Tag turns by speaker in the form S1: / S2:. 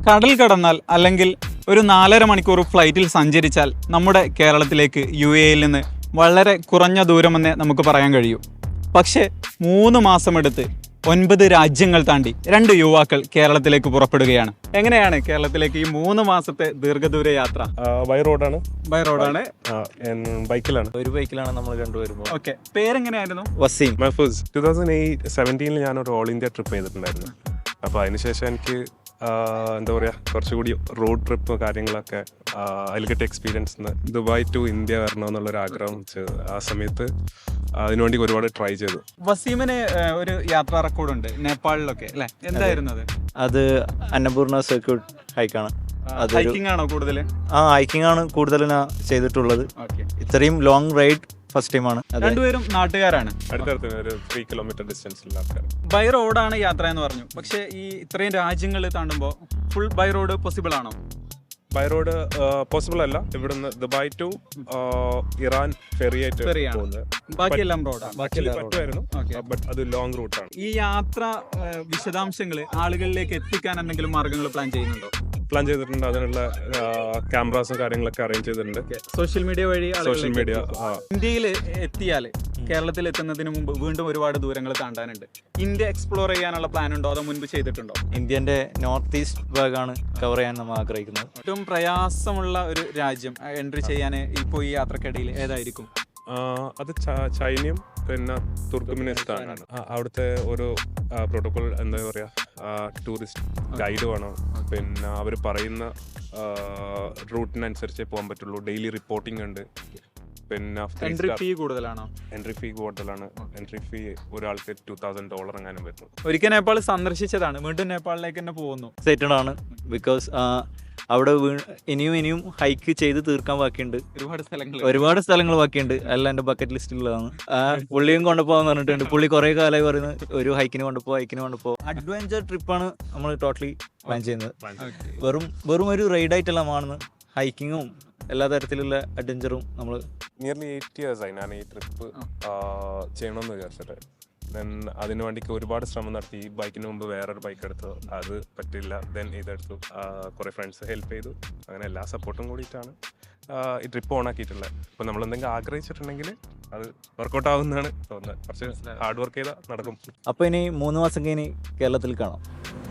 S1: കടൽ കടന്നാൽ അല്ലെങ്കിൽ ഒരു 4.5 മണിക്കൂർ ഫ്ലൈറ്റിൽ സഞ്ചരിച്ചാൽ നമ്മുടെ കേരളത്തിലേക്ക് UAE നിന്ന് വളരെ കുറഞ്ഞ ദൂരമെന്നേ നമുക്ക് പറയാൻ കഴിയൂ. പക്ഷേ 3 മാസമെടുത്ത് 9 രാജ്യങ്ങൾ താണ്ടി 2 യുവാക്കൾ കേരളത്തിലേക്ക് പുറപ്പെടുകയാണ്. എങ്ങനെയാണ് കേരളത്തിലേക്ക് ഈ 3 മാസത്തെ ദീർഘദൂര യാത്ര?
S2: ബൈ റോഡാണ്. ബൈക്കിലാണ്.
S3: ഒരു ബൈക്കിലാണ് നമ്മൾ രണ്ടുപേരും.
S1: ഓക്കെ, പേരെങ്ങനെയായിരുന്നു?
S3: വസീം.
S2: മഹഫൂസ്. 2017 ഞാനൊരു ഓൾ ഇന്ത്യ ട്രിപ്പ് ചെയ്തിട്ടുണ്ടായിരുന്നു. അപ്പോൾ അതിനുശേഷം എനിക്ക് എന്താ പറയുക, കുറച്ചുകൂടി റോഡ് ട്രിപ്പ് കാര്യങ്ങളൊക്കെ അതിൽ കിട്ടിയ എക്സ്പീരിയൻസ് ദുബായ് ടു ഇന്ത്യ വരണമെന്നുള്ളൊരു ആഗ്രഹം ആ സമയത്ത് അതിനുവേണ്ടി ഒരുപാട് ട്രൈ ചെയ്തു.
S1: വസീമിന് ഒരു യാത്രാ റെക്കോർഡുണ്ട് നേപ്പാളിലൊക്കെ അല്ലേ? എന്തായിരുന്നു അത്?
S3: അത് അന്നപൂർണ സർക്യൂട്ട് ഹൈക്കാണ്.
S1: ഹൈക്കിംഗ് ആണോ കൂടുതൽ?
S3: ഹൈക്കിംഗ് ആണ് കൂടുതൽ ഞാൻ ചെയ്തിട്ടുള്ളത്. ഇത്രയും ലോങ് റൈഡ് ഫസ്റ്റ് ടൈമാണ്.
S1: രണ്ടുപേരും നാട്ടുകാരാണ്.
S2: അടുത്തടുത്ത് ഒരു 3 കിലോമീറ്റർ ഡിസ്റ്റൻസിലുള്ള ആൾക്കാർ.
S1: ബൈ റോഡാണ് യാത്ര എന്ന് പറഞ്ഞു. പക്ഷേ ഈ ഇത്രയും രാജ്യങ്ങൾ താണ്ടുമ്പോൾ ഫുൾ ബൈ റോഡ് പോസിബിൾ ആണോ?
S2: ബൈ റോഡ് പോസിബിൾ അല്ല. ഇവിടുന്ന് ദുബായ് ടു ഇറാൻ ഫെറിയായിട്ട് പോകുന്നത്.
S1: ബാക്കിയെല്ലാം റോഡാണ്.
S2: പറ്റുമായിരുന്നു, ബട്ട് അത് ലോങ് റൂട്ടാണ്.
S1: ഈ യാത്ര വിശദാംശങ്ങൾ ആളുകളിലേക്ക് എത്തിക്കാൻ എന്തെങ്കിലും മാർഗങ്ങൾ പ്ലാൻ ചെയ്യുന്നുണ്ടോ?
S2: പ്ലാൻ ചെയ്തിട്ടുണ്ട്. അതിനുള്ള ക്യാമറാസും കാര്യങ്ങളൊക്കെ അറേഞ്ച് ചെയ്തിട്ടുണ്ട്.
S1: സോഷ്യൽ മീഡിയ വഴി.
S2: Social media.
S1: ഇന്ത്യയിൽ എത്തിയാൽ കേരളത്തിൽ എത്തുന്നതിന് മുമ്പ് വീണ്ടും ഒരുപാട് ദൂരങ്ങൾ താണ്ടാനുണ്ട്. ഇന്ത്യ എക്സ്പ്ലോർ ചെയ്യാനുള്ള പ്ലാൻ ഉണ്ടോ, അതോ മുൻപ് ചെയ്തിട്ടുണ്ടോ?
S3: ഇന്ത്യൻ്റെ നോർത്ത് ഈസ്റ്റ് ഭാഗമാണ് കവർ ചെയ്യാൻ നമ്മൾ ആഗ്രഹിക്കുന്നത്.
S1: ഏറ്റവും പ്രയാസമുള്ള ഒരു രാജ്യം എൻട്രി ചെയ്യാൻ ഇപ്പോൾ ഈ യാത്രക്കിടയിൽ ഏതായിരിക്കും?
S2: അത് ചൈനയും പിന്നെ തുർക്ക്മെനിസ്ഥാനാണ്. അവിടുത്തെ ഒരു പ്രോട്ടോകോൾ എന്താ പറയുക, ടൂറിസ്റ്റ് ഗൈഡ് വേണം. പിന്നെ അവർ പറയുന്ന റൂട്ടിനനുസരിച്ചേ പോകാൻ പറ്റുള്ളൂ. ഡെയിലി റിപ്പോർട്ടിംഗ് ഉണ്ട്. പിന്നെ
S1: എൻട്രി ഫീ കൂടുതലാണോ?
S2: എൻട്രി ഫീ കൂടുതലാണ്. എൻട്രി ഫീ ഒരാൾക്ക് $2,000 എങ്ങാനും വരുന്നു.
S1: ഒരിക്കൽ നേപ്പാൾ സന്ദർശിച്ചതാണ്, വീണ്ടും നേപ്പാളിലേക്ക് തന്നെ പോകുന്നു.
S3: എക്സൈറ്റഡ് ആണ്. ബിക്കോസ് അവിടെ ഇനിയും ഹൈക്ക് ചെയ്ത് തീർക്കാൻ ബാക്കിയുണ്ട്. ഒരുപാട് സ്ഥലങ്ങൾ ബാക്കിയുണ്ട്. എല്ലാം എൻ്റെ ബക്കറ്റ് ലിസ്റ്റിലുള്ളതാണ്. പുള്ളിയും കൊണ്ടുപോകാന്ന് പറഞ്ഞിട്ടുണ്ട്. പുള്ളി കുറേ കാലമായി പറയുന്നത് ഒരു ഹൈക്കിന് കൊണ്ടുപോ. അഡ്വഞ്ചർ ട്രിപ്പാണ് നമ്മൾ ടോട്ടലി പ്ലാൻ ചെയ്യുന്നത്. വെറും ഒരു റൈഡായിട്ടെല്ലാം ആണ്. ഹൈക്കിങ്ങും എല്ലാ തരത്തിലുള്ള അഡ്വഞ്ചറും നമ്മൾ
S2: നിയർലി 8 years ആയി ഞാൻ ഈ ട്രിപ്പ് ചെയ്യണമെന്ന് വിചാരിച്ചിട്ട്. ദെൻ അതിനു വേണ്ടിക്ക് ഒരുപാട് ശ്രമം നടത്തി. ഈ ബൈക്കിന് മുമ്പ് വേറൊരു ബൈക്ക് എടുത്തു, അത് പറ്റില്ല. ദെൻ ഇതെടുത്തു. കുറേ ഫ്രണ്ട്സ് ഹെൽപ്പ് ചെയ്തു. അങ്ങനെ എല്ലാ സപ്പോർട്ടും കൂടിയിട്ടാണ് ഈ ട്രിപ്പ് ഓൺ ആക്കിയിട്ടുള്ളത്. അപ്പോൾ നമ്മൾ എന്തെങ്കിലും ആഗ്രഹിച്ചിട്ടുണ്ടെങ്കിൽ അത് വർക്കൗട്ട് ആവുന്നതാണ് തോന്നുന്നത്. കുറച്ച് ഹാർഡ് വർക്ക് ചെയ്താൽ നടക്കും.
S3: അപ്പോൾ ഇനി 3 മാസം കഴിഞ്ഞ് കേരളത്തിൽ കാണാം.